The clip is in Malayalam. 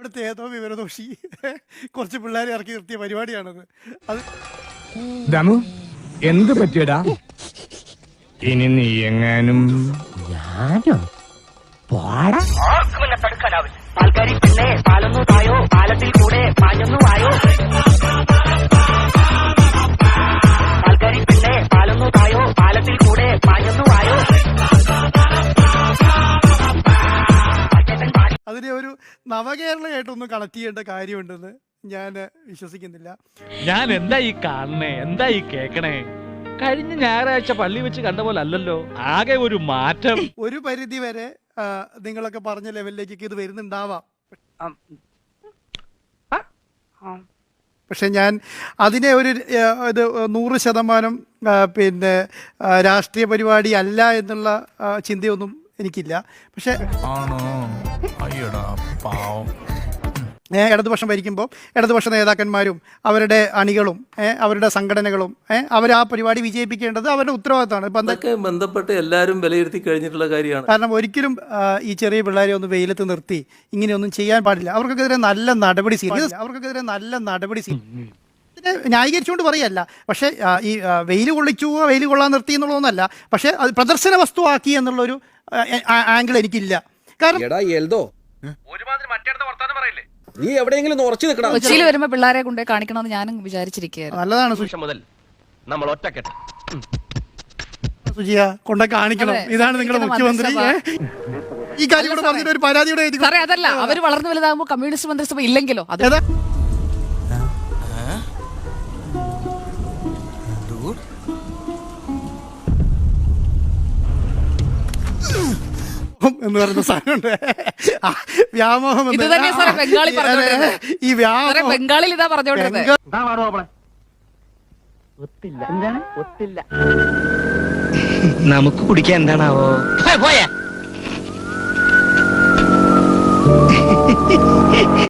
ഇവിടുത്തെ ഏതോ വിവരദോഷി കുറച്ച് പിള്ളേരെ ഇറക്കി നിർത്തിയ പരിപാടിയാണത്. അത് ദമു എന്ത് പറ്റിയടാ? ഇനി നീ എങ്ങാനും ഞാനോ പോടാ. തടുക്കാനാവില്ല. പാൽക്കാരി പെണ്ണെ പാലൊന്നു തായോ, പാലത്തിൽ കൂടെ പാഞ്ഞൊന്നു വായോ. പാൽക്കാരി പെണ്ണെ പാലൊന്നു തായോ, പാലത്തിൽ കൂടെ പാഞ്ഞൊന്നു വായോ. അതിനെ ഒരു നവകേരളയായിട്ടൊന്നും കണക്ട് ചെയ്യേണ്ട കാര്യമുണ്ടെന്ന് ഞാൻ വിശ്വസിക്കുന്നില്ല. ഞാൻ എന്താ ഈ കാണണേ, എന്താ ഈ കേക്കണേ? കഴിഞ്ഞ ഞായറാഴ്ച പള്ളി വെച്ച് കണ്ട പോലെ അല്ലല്ലോ, ആകെ ഒരു മാറ്റം. ഒരു പരിധി വരെ നിങ്ങളൊക്കെ പറഞ്ഞ ലെവലിലേക്ക് ഇത് വരുന്നുണ്ടാവാം. പക്ഷെ ഞാൻ അതിനെ ഒരു ഇത് 100% പിന്നെ രാഷ്ട്രീയ പരിപാടി അല്ല എന്നുള്ള ചിന്തയൊന്നും എനിക്കില്ല. പക്ഷെ ഇടതുപക്ഷം ഭരിക്കുമ്പോൾ ഇടതുപക്ഷ നേതാക്കന്മാരും അവരുടെ അണികളും അവരുടെ സംഘടനകളും അവർ ആ പരിപാടി വിജയിപ്പിക്കേണ്ടത് അവരുടെ ഉത്തരവാദിത്തമാണ്. ഇപ്പം അതൊക്കെ ബന്ധപ്പെട്ട് എല്ലാവരും വിലയിരുത്തി കഴിഞ്ഞിട്ടുള്ള കാര്യമാണ്. കാരണം ഒരിക്കലും ഈ ചെറിയ പിള്ളേരെ ഒന്ന് വെയിലത്ത് നിർത്തി ഇങ്ങനെയൊന്നും ചെയ്യാൻ പാടില്ല. അവർക്കെതിരെ നല്ല നടപടി ന്യായീകരിച്ചുകൊണ്ട് പറയല്ല. പക്ഷേ ഈ വെയിൽ കൊള്ളാൻ നിർത്തി എന്നുള്ളതൊന്നല്ല. പക്ഷേ അത് പ്രദർശന വസ്തുവാക്കി എന്നുള്ളൊരു ആംഗിൾ എനിക്കില്ല. കാരണം നീ എവിടെയെങ്കിലും ഉറച്ചു നിൽക്കണം. കൊച്ചിയിൽ വരുമ്പോ പിള്ളേരെ കൊണ്ട് കാണിക്കണമെന്ന് ഞാനും വിചാരിച്ചിരിക്കുകയായിരുന്നു. നല്ലതാണ് മുതൽ നമ്മൾ ഒറ്റക്കെട്ട് സുജിയ കൊണ്ട കാണിക്കണം. ഇതാണ് നിങ്ങളുടെ മുഖ്യമന്ത്രി. ഈ കാര്യം കൂടെ പറഞ്ഞിട്ട് ഒരു പരാതിയുടെ സാറേ അതല്ല, അവര് വളർന്നു വലുതാകുമ്പോ കമ്മ്യൂണിസ്റ്റ് മന്ത്രിസഭ ഇല്ലെങ്കിലോ അത് എന്ന് പറയുന്ന സാധനമുണ്ട്. വ്യാമോഹം ഇത് തന്നെ സാറേ ബംഗാളി പറഞ്ഞോണ്ടിരുന്നത്. ഈ വ്യാമോഹം ബംഗാളിൽ ഇതാ പറഞ്ഞോണ്ടിരുന്നത്. നമുക്ക് കുടിക്കാൻ എന്താണാവോ?